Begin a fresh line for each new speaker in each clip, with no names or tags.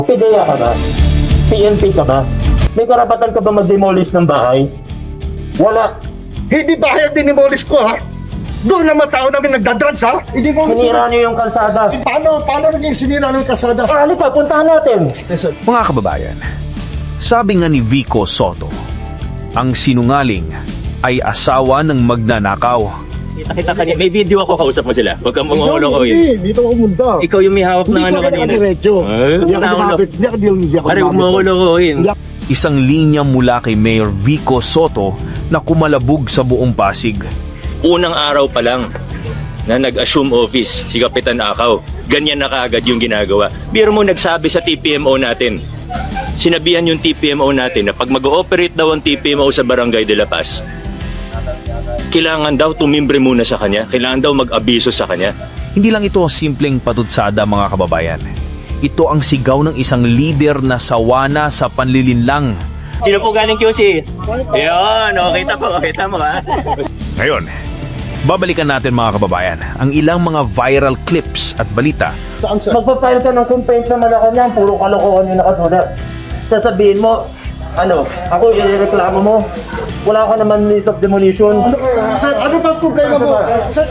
PDEA ka ba? PNP ka ba? May karapatan ka ba mag-demolish ng bahay? Wala.
Hindi bahay ang dinimolish ko, ha? Doon naman tao namin nagdadrugs, ha? Hindi mo
Sinira niyo yung kalsada.
Paano naging sinira ng kasada?
Halika, puntahan natin.
Mga kababayan, sabi nga ni Vico Soto, ang sinungaling ay asawa ng magnanakaw.
Kita kanina, may video ako, kausap mo sila. Huwag kang mangulo ko yun.
Hindi, dito ako pumunta.
Ikaw yung may hawak ng ano kanina.
Diretso. Hindi ako lumapit. Hindi ako
Pare, huwag mo
lumapit.
ko yun.
Isang linya mula kay Mayor Vico Soto na kumalabog sa buong Pasig.
Unang araw pa lang na nag-assume office si Kapitan Akaw, ganyan na kaagad yung ginagawa. Biro mo nagsabi sa TPMO natin, sinabihan yung TPMO natin na pag mag-ooperate daw ang TPMO sa Barangay de la Paz, kailangan daw tumimbre muna sa kanya, kailangan daw mag-abiso sa kanya.
Hindi lang ito simpleng patutsada, mga kababayan. Ito ang sigaw ng isang leader na sawana sa panlilinlang.
Sino po galing QC? Yun, kita mo ha.
Ngayon, babalikan natin, mga kababayan, ang ilang mga viral clips at balita.
Saan, sir?
Magpapile ka ng complaint sa Malacanang, puro kalokohan yung nakasulat. Sasabihin mo, ako ireklamo mo. Wala ka naman list of demolition.
Sir, ano bang problema mo? Sir,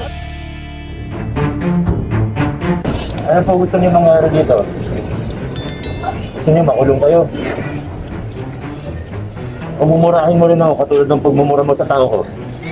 Ano po gusto niyo mangyari dito? Gusto niyo makulong kayo? O mumurahin mo rin ako katulad ng pagmumura mo sa tao ko?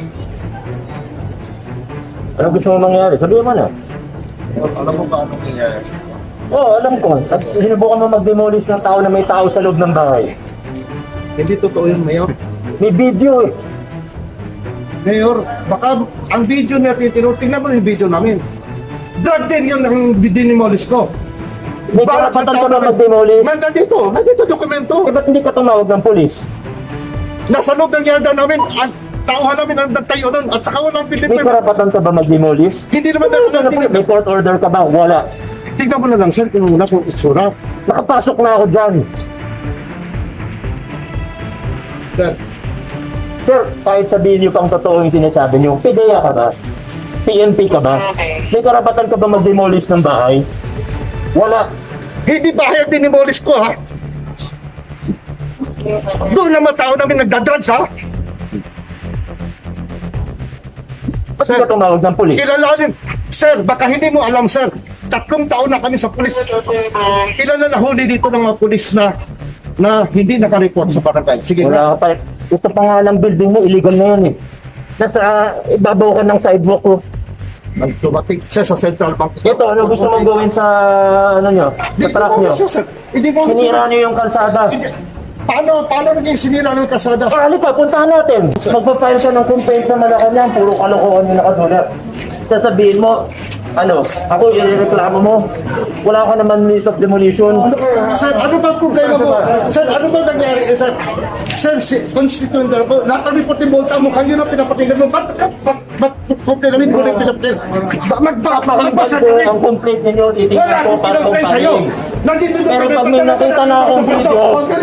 Ano gusto mo mangyari? Sabihin mo na.
alam mo ba anong nangyayari?
Oo, alam ko. At sinubukan mo mag-demolish ng tao na may tao sa loob ng bahay.
Hindi totoo yun, Mayor.
May video eh.
Mayor, baka ang video natin, tingnan mo yung video namin. Drug din yun ang dinimolish ko.
May karapatan ka ba mag-demolish?
Nandito dokumento.
Eh, ba't hindi ka tumawag ng polis?
Nasa loob ng yarda namin, ang tauhan namin ang nagtayo nun, at saka walang
May
Pilipino.
karapatan ka ba mag-demolish?
Hindi naman
May court order ka ba? Wala.
Tingnan mo na lang, sir, kung muna kung itsura.
Nakapasok na ako dyan.
Sir,
Sir, kahit sabihin niyo pang totoo yung sinasabi niyo, PDEA ka ba? PNP ka ba? May karapatan ka ba mag-demolish ng bahay? Wala.
hindi bahay ang dinimolish ko, ha? Doon naman tao namin nagdadrugs, ha?
Ba't hindi ka tumawag ng polis?
Kilalanin. Sir, baka hindi mo alam, sir. 3 taon na kami sa pulis. Ilan na nahuli dito ng mga pulis na hindi nakareport sa barangay. Sige
Wala
na.
ka pa. Ito pa nga ng building mo, illegal na yan eh. Nasa ibabaw ka ng sidewalk ko.
Nagtumating siya sa Central Bank.
Ito, ano gusto mong gawin sa, sa truck nyo?
Hindi mo
Sinira nyo yung kalsada.
Paano naging sinira ng kasada?
Halika, puntahan natin. Magpapile ka ng complaint sa Malacanang, puro kalokohan yung nakasulat. Sasabihin mo, ako ireklamo mo. Wala ka naman list of demolition.
Sir, ano bang problema mo? Sir, ano bang nangyari? Sir, constituent ako. Nakalipot yung bolsa mo. Kayo na pinapatinggan mo. Ba't complain namin? Kung pinapatinggan. Magbasa ka rin.
Ang complaint ninyo, titignan
Wala
ko
akong
para
pinag-play sa'yo.
kumpahin.
Nandito
Pero pag may nakita na akong video,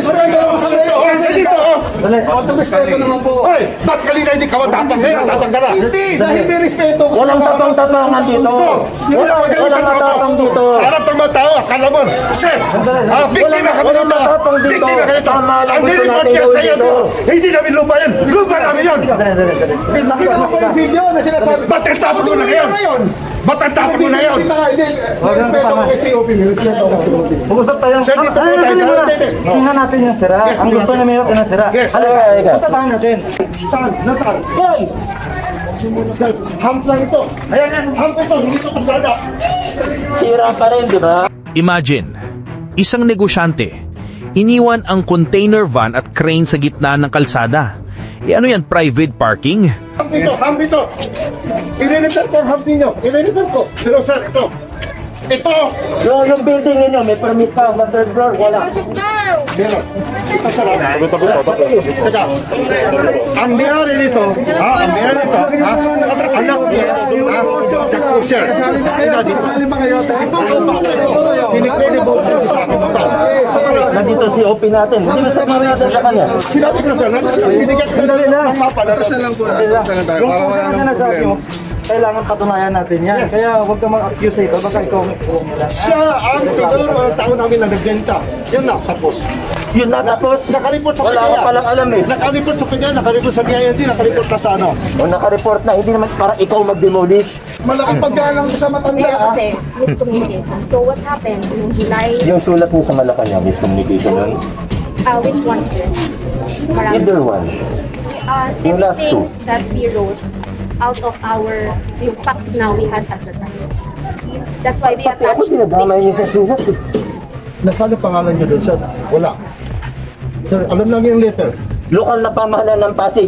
respeto naman po. Hoy, ba't kanina hindi ka matapang sa'yo? Tatanggal na. Hindi, dahil may respeto ko.
walang tapang-tapangan dito. Walang matapang dito.
Sa harap ng mga tao, akala mo, sir, biktima ka ba
Walang
dito?
matapang dito.
Biktima ka dito.
Tama lang
Ang
gusto
dinipot
natin
niya
gawin
sa'yo
dito.
Hindi namin lupa yan. Lupa namin yan.
Nakita mo po yung video na sinasabi.
Ba't ang tapon mo na ngayon? Ba't ang tapon mo na ngayon?
Respeto ko kay COP. Respeto ko kay COP.
Mag-usap tayo.
Sir, dito po tayo.
Tingnan natin yung sira.
Yes,
Ang gusto na mayroon na sira.
Yes.
Halika.
Tapahan natin.
Nasaan?
Yan!
Hump lang ito. Ayan yan, hump ito. Hindi ito kasada.
Sira pa rin, di ba?
Imagine, isang negosyante, iniwan ang container van at crane sa gitna ng kalsada. Ano yan, private parking?
Hump ito, hump ito. Irelevant ko ang hump ninyo. Irelevant ko. Pero sir, ito. Ito.
Yung building ninyo, may permit pa. Sa third floor, wala.
Meron. Ito sir. Teka. Ang mayari nito, ang mayari nito, anak niya, sa kusya. Ina dito.
Sali ba kayo sa
Tinikredible ko sa akin ito.
Nandito si OP natin. Hindi na sa natin sa kanya.
Sinabi ko sir, binigyan ko ng mapa.
Tapos na lang po. Tapos na lang tayo. Para wala nang problema. kailangan patunayan natin yan.
Yes.
Kaya huwag ka mag-accuse ito, baka ikaw may kulong nila.
Siya ang tigor ng tao namin na nagbenta. Yun na, tapos.
Yun na, tapos
Nakalipot sa
wala ka
kanya.
palang alam eh.
Nakalipot sa kanya, nakalipot sa DILG, nakalipot na sa ano.
O naka-report na, hindi naman para ikaw mag-demolish.
Malaking paggalang ko sa matanda
Kaya
ah.
kasi, miscommunication. So what happened, nung July,
Yung sulat mo sa Malacanang, miscommunication nun?
which one, sir? Marami.
Either one. Yung last two.
Everything that we wrote out of yung facts now we had at the time. That's why we
Pati ako
attached
dinadamay niyo sa sulat eh.
Nasaan ang pangalan niyo doon, sir? Wala. Sir, alam namin yung letter.
Lokal na pamahalaan ng Pasig.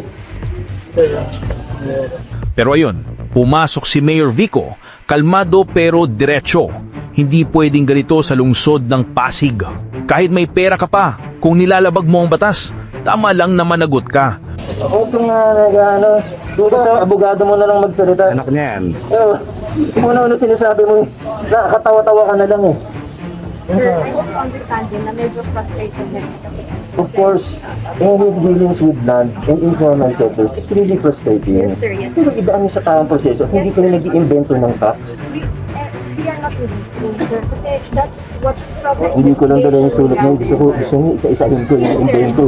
Pero ayun, pumasok si Mayor Vico, kalmado pero diretso. Hindi pwedeng ganito sa lungsod ng Pasig. Kahit may pera ka pa, kung nilalabag mo ang batas, tama lang na managot ka.
Ako ito nga nag-ano, dito sa abogado mo na lang magsalita. Anak niya yan. Una-una sinasabi mo, nakakatawa-tawa ka na lang eh.
Sir, I also understand din na medyo frustrated din kasi.
Of course, any dealings with land and informal sectors is really frustrating.
Yes, sir, yes.
Pero ibaan niyo sa tamang proseso, hindi ka na nag-i-invento ng facts.
We are not really sir, kasi that's what probably
Hindi ko lang dala yung sulat mo, gusto niyo isa-isahin ko yung invento.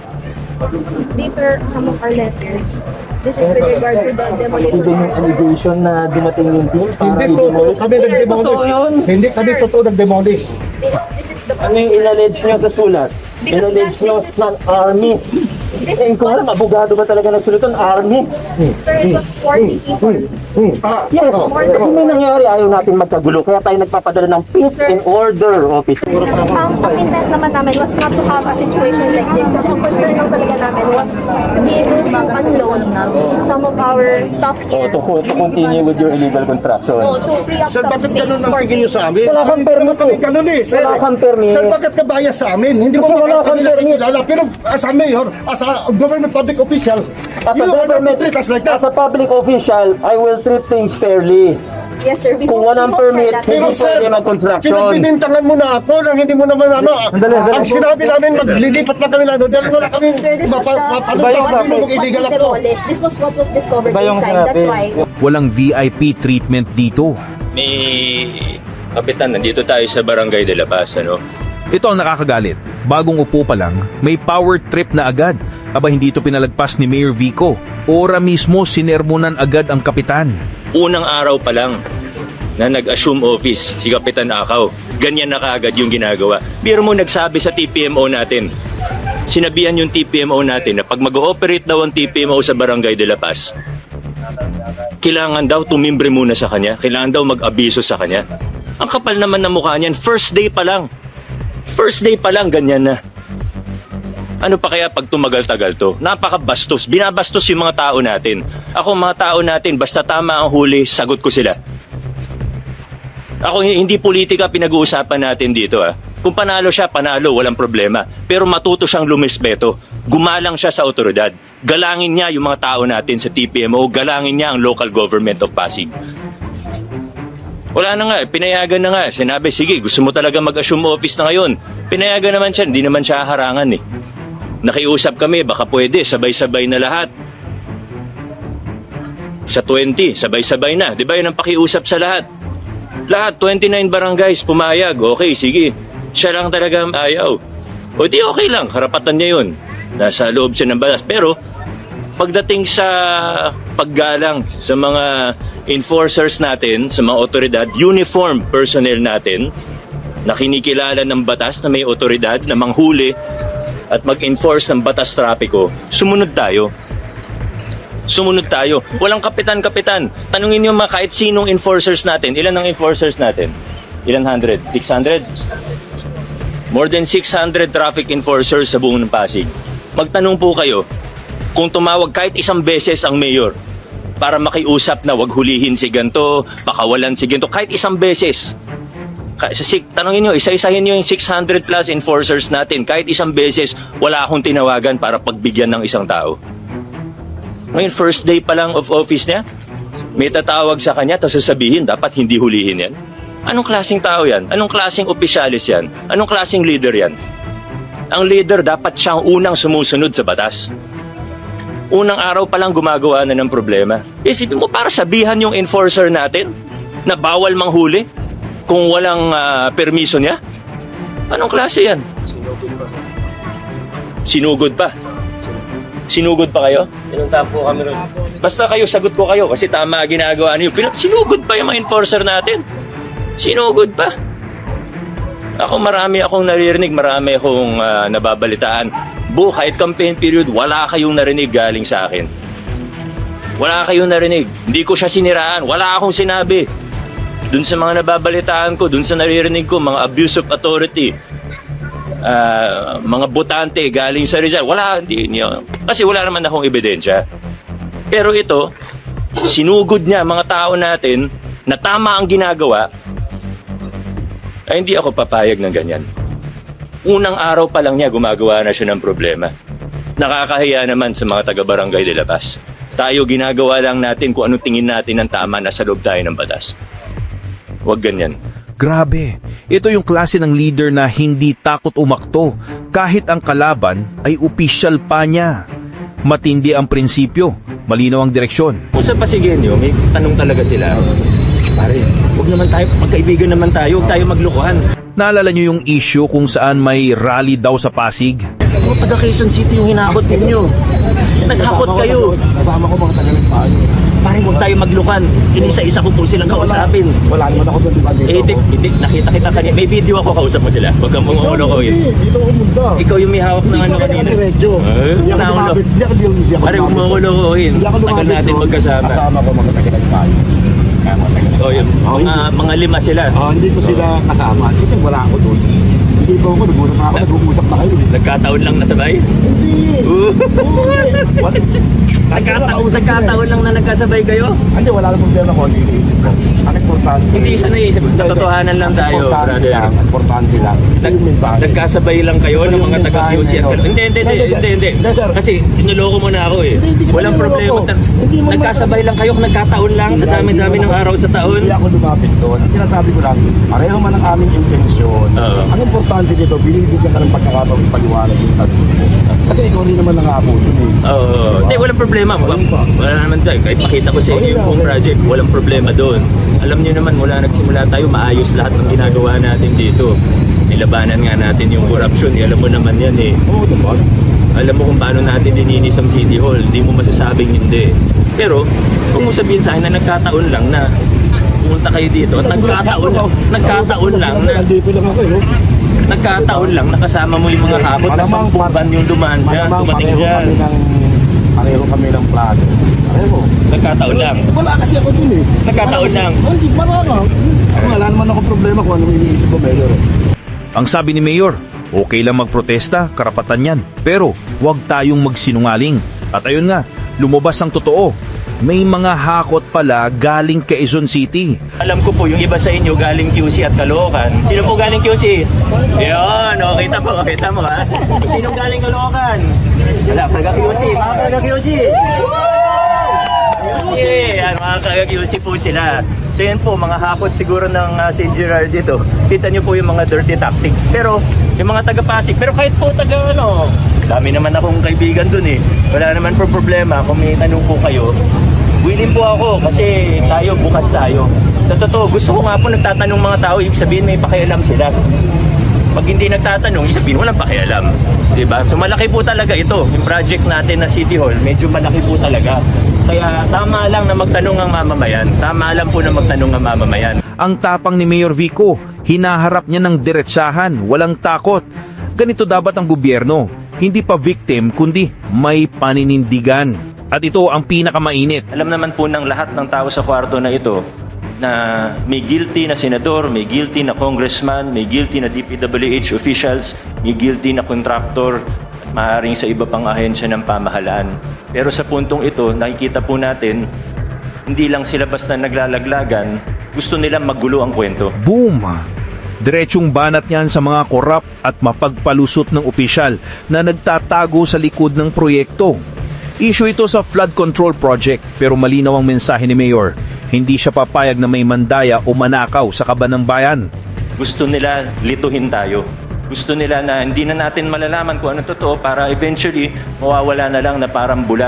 These are some of our letters. This is with regard to the demolition.
Even yung allegation na dumating yung team para
Hindi totoo
i-demolish.
kami nag-demolish.
Totoo yun.
Hindi kami totoo nag-demolish.
This is the
Ano yung in-allege nyo sa sulat? In-allege nyo ng army. Eh, kung alam, abogado ba talaga nagsulat ng army?
Sir, it was 40 people.
Yes, kasi may nangyari, ayaw natin magkagulo. Kaya tayo nagpapadala ng peace and order office.
Ang intent naman namin was not to have a situation like this. Kasi ang concern lang talaga namin was to be able to unload some of our stuff
Oh,
here.
to continue with your illegal construction.
Oh, to free up
Sir,
some
bakit
space
ganun ang
for
tingin niyo sa amin?
Wala kang permit
Kami
eh.
ganun eh, sir.
Wala kang permit.
Sir, bakit ka bias sa amin? Hindi
Kasi
mo
wala kang
kami
permit.
kilala. Pero as a mayor, as a government public official,
As a
you are not
government,
to treat us like that.
as a public official, I will treat things fairly.
Yes, sir. We
Kung
hope-
walang
we hope
permit,
that-
Pero
hindi
sir,
pwede mag-construction.
pinagbibintangan mo na ako nang hindi mo naman ano. Ang sinabi namin, maglilipat na kami na doon. Dahil wala kami
Sir, this was the
mapalong illegal
what we
ako.
demolished. This was what was discovered
Iba yung
inside. That's
sinabi.
why.
Walang VIP treatment dito.
May kapitan, nandito tayo sa Barangay de la Paz, ano?
Ito ang nakakagalit. Bagong upo pa lang, may power trip na agad. Aba hindi ito pinalagpas ni Mayor Vico. Ora mismo sinermonan agad ang kapitan.
Unang araw pa lang na nag-assume office si Kapitan Akaw, ganyan na kaagad yung ginagawa. Biro mo nagsabi sa TPMO natin, sinabihan yung TPMO natin na pag mag-ooperate daw ang TPMO sa Barangay de la Paz, kailangan daw tumimbre muna sa kanya, kailangan daw mag-abiso sa kanya. Ang kapal naman ng mukha niyan, first day pa lang, ganyan na. Ano pa kaya pag tumagal-tagal to? Napakabastos. Binabastos yung mga tao natin. Ako, mga tao natin, basta tama ang huli, sagot ko sila. Ako, hindi politika pinag-uusapan natin dito. Kung panalo siya, panalo, walang problema. Pero matuto siyang lumispeto. Gumalang siya sa otoridad. Galangin niya yung mga tao natin sa TPMO. Galangin niya ang local government of Pasig. Wala na nga, pinayagan na nga. Sinabi, sige, gusto mo talaga mag-assume office na ngayon. Pinayagan naman siya, hindi naman siya harangan eh. Nakiusap kami, baka pwede, sabay-sabay na lahat. Sa 20, sabay-sabay na. Di ba yun ang pakiusap sa lahat? Lahat, 29 barangays, pumayag. Okay, sige. Siya lang talaga ayaw. O di okay lang, karapatan niya yun. Nasa loob siya ng batas. Pero, pagdating sa paggalang sa mga enforcers natin, sa mga otoridad, uniform personnel natin, na kinikilala ng batas na may otoridad na manghuli at mag-enforce ng batas trapiko, sumunod tayo. Sumunod tayo. Walang kapitan-kapitan. Tanungin niyo mga kahit sinong enforcers natin. Ilan ang enforcers natin? Ilan hundred? 600? More than 600 traffic enforcers sa buong Pasig. Magtanong po kayo, kung tumawag kahit isang beses ang mayor para makiusap na wag hulihin si ganto, pakawalan si ganto, kahit isang beses. Tanongin nyo, isa-isahin nyo yung 600 plus enforcers natin. Kahit isang beses, wala akong tinawagan para pagbigyan ng isang tao. Ngayon, first day pa lang of office niya, may tatawag sa kanya, tapos sasabihin, dapat hindi hulihin yan. Anong klaseng tao yan? Anong klaseng opisyalis yan? Anong klaseng leader yan? Ang leader, dapat siyang unang sumusunod sa batas. Unang araw pa lang gumagawa na ng problema. Isipin mo, para sabihan yung enforcer natin na bawal manghuli kung walang permiso niya? Anong klase yan? Sinugod pa. Sinugod pa kayo?
Pinuntahan po kami ron.
Basta kayo, sagot ko kayo kasi tama ginagawa niyo. Sinugod pa yung mga enforcer natin. Sinugod pa. Ako marami akong naririnig, marami akong nababalitaan. Kahit campaign period, wala kayong narinig galing sa akin. Wala kayong narinig. Hindi ko siya siniraan. Wala akong sinabi. Dun sa mga nababalitaan ko, dun sa naririnig ko, mga abuse of authority, mga botante galing sa Rizal. Wala, hindi. Kasi wala naman akong ebidensya. Pero ito, sinugod niya mga tao natin na tama ang ginagawa, ay hindi ako papayag ng ganyan. Unang araw pa lang niya, gumagawa na siya ng problema. Nakakahiya naman sa mga taga-barangay de La Paz. Tayo, ginagawa lang natin kung anong tingin natin ang tama, nasa loob tayo ng batas. Huwag ganyan.
Grabe, ito yung klase ng leader na hindi takot umakto kahit ang kalaban ay opisyal pa niya. Matindi ang prinsipyo, malinaw ang direksyon.
Usap pa si Genyo, may tanong talaga sila. Pare, huwag naman tayo, magkaibigan naman tayo, huwag tayo maglukuhan.
Naalala niyo yung issue kung saan may rally daw sa Pasig?
Taga Quezon City yung hinakot ninyo. Naghakot kayo.
Kasama ko mga taga-nagpaan.
Pare, huwag tayo maglukan. Inisa-isa ko po silang kausapin.
Wala naman ako doon, di ba?
Hindi, nakita kita kanina. May video ako, kausap mo sila. Huwag kang mumulo ko yun.
Dito ako pumunta.
Ikaw yung may hawak ng ano kanina.
Medyo. Hindi ako
Naulo.
lumapit. Hindi ako
Pare, huwag mumulo ko yun.
Hindi ako
Tagal
lumapit
natin
doon.
magkasama.
Kasama ko mga taga-nagpaan.
O yun, mga lima sila.
Hindi ko sila kasama. Kasi wala ako doon. Hindi po ako, nag-uusap na ako, nag-uusap na kayo.
Nagkataon lang nasabay.
Hindi. What?
Nagkataon lang na nagkasabay kayo?
Hindi, wala lang problema ko. Hindi iniisip ko. Ang importante.
Hindi isa naisip. Natotohanan lang tayo, brother.
Importante lang. Ito yung mensahe.
Nagkasabay lang kayo ng mga taga-QC at Hindi. Kasi inuloko mo na ako eh.
Hindi ka
Walang
niloloko.
problema.
Hindi mo
Nagkasabay lang kayo, nagkataon lang sa dami-dami ng araw sa taon.
Hindi ako lumapit doon. Ang sinasabi ko lang, pareho man ang aming intensyon.
Oo.
Ang importante dito, binibigyan ka ng pagkakataon ipaliwanag yung tanong mo. Kasi ikaw rin naman nangapo doon eh.
Oo. Hindi, walang problema. Wala naman tayo. Kahit pakita ko sa inyo yung buong project, walang problema doon. Alam niyo naman, mula nagsimula tayo, maayos lahat ng ginagawa natin dito. Nilabanan nga natin yung corruption. Alam mo naman yan eh.
Oo, diba?
Alam mo kung paano natin dininis ang City Hall. Hindi mo masasabing hindi. Pero, kung mo sabihin sa akin na nagkataon lang na pumunta kayo dito at nagkataon lang na
Nandito lang ako eh.
nagkataon lang nakasama mo yung mga habot na 10 van yung dumaan dyan, dumating dyan.
Pareho kami ng plano. Pareho.
Nagkataon lang.
Wala kasi ako dun eh.
Nagkataon lang.
Hindi, marama. Wala naman ako problema kung anong iniisip ko, Mayor.
Ang sabi ni Mayor, okay lang magprotesta, karapatan yan. Pero huwag tayong magsinungaling. At ayun nga, lumabas ang totoo. May mga hakot pala galing Quezon City.
Alam ko po yung iba sa inyo galing QC at Caloocan. Sino po galing QC? Yun, kita mo ha. Sino galing Caloocan? Wala, taga QC. Mga taga QC. Yeah, mga taga QC po sila. So yan po, mga hakot siguro ng St. Gerard dito. Kita nyo po yung mga dirty tactics. Pero yung mga taga Pasig, pero kahit po taga dami naman akong kaibigan dun eh. Wala naman po problema kung may tanong po kayo. Willing po ako kasi tayo, bukas tayo. Sa totoo, gusto ko nga po nagtatanong mga tao, ibig sabihin may pakialam sila. Pag hindi nagtatanong, ibig sabihin walang pakialam. Diba? So malaki po talaga ito. Yung project natin na City Hall, medyo malaki po talaga. Kaya tama lang na magtanong ang mamamayan. Tama lang po na magtanong ang mamamayan.
Ang tapang ni Mayor Vico, hinaharap niya ng diretsahan, walang takot. Ganito dapat ang gobyerno, hindi pa victim kundi may paninindigan. At ito ang pinakamainit.
Alam naman po ng lahat ng tao sa kwarto na ito na may guilty na senador, may guilty na congressman, may guilty na DPWH officials, may guilty na contractor, at maaaring sa iba pang ahensya ng pamahalaan. Pero sa puntong ito, nakikita po natin, hindi lang sila basta naglalaglagan, gusto nilang maggulo ang kwento.
Boom! Diretsong banat niyan sa mga korap at mapagpalusot ng opisyal na nagtatago sa likod ng proyekto. Issue ito sa flood control project pero malinaw ang mensahe ni Mayor. Hindi siya papayag na may mandaya o manakaw sa kaban ng bayan.
Gusto nila lituhin tayo. Gusto nila na hindi na natin malalaman kung ano totoo para eventually mawawala na lang na parang bula.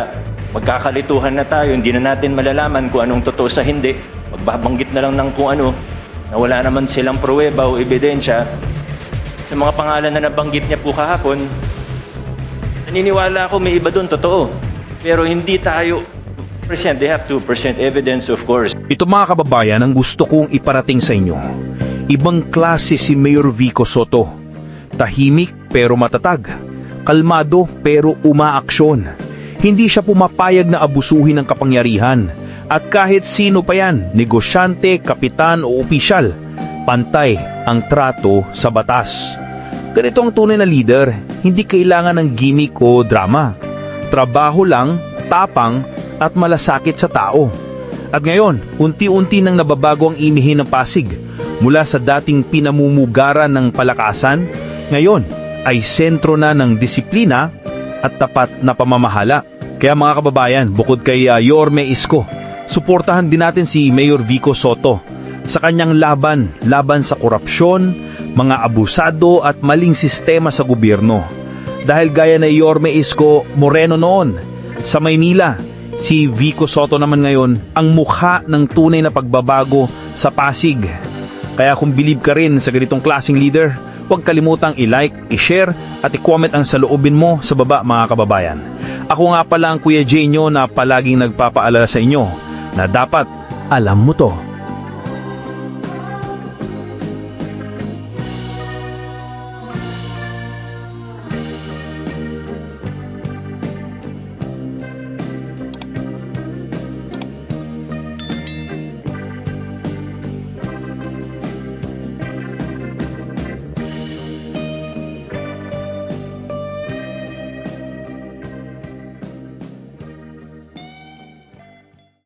magkakalituhan na tayo, hindi na natin malalaman kung anong totoo sa hindi. Magbabanggit na lang ng kung ano, na wala naman silang pruweba o ebidensya. Sa mga pangalan na nabanggit niya po kahapon, naniniwala ako may iba doon, totoo. Pero hindi tayo present. They have to present evidence, of course.
Ito mga kababayan ang gusto kong iparating sa inyo. Ibang klase si Mayor Vico Soto. Tahimik pero matatag. Kalmado pero umaaksyon. Hindi siya pumapayag na abusuhin ng kapangyarihan. At kahit sino pa yan, negosyante, kapitan o opisyal, pantay ang trato sa batas. Ganito ang tunay na leader, hindi kailangan ng gimmick o drama. Trabaho lang, tapang at malasakit sa tao. At ngayon, unti-unti nang nababago ang inihin ng Pasig. Mula sa dating pinamumugaran ng palakasan, ngayon ay sentro na ng disiplina at tapat na pamamahala. Kaya mga kababayan, bukod kay Yorme Isko, suportahan din natin si Mayor Vico Soto sa kanyang laban sa korupsyon, mga abusado at maling sistema sa gobyerno. Dahil gaya na Yorme Isko Moreno noon, sa Maynila, si Vico Soto naman ngayon ang mukha ng tunay na pagbabago sa Pasig. Kaya kung believe ka rin sa ganitong klaseng leader, huwag kalimutang i-like, i-share at i-comment ang saloobin mo sa baba mga kababayan. Ako nga pala ang Kuya Jenyo na palaging nagpapaalala sa inyo na dapat alam mo to.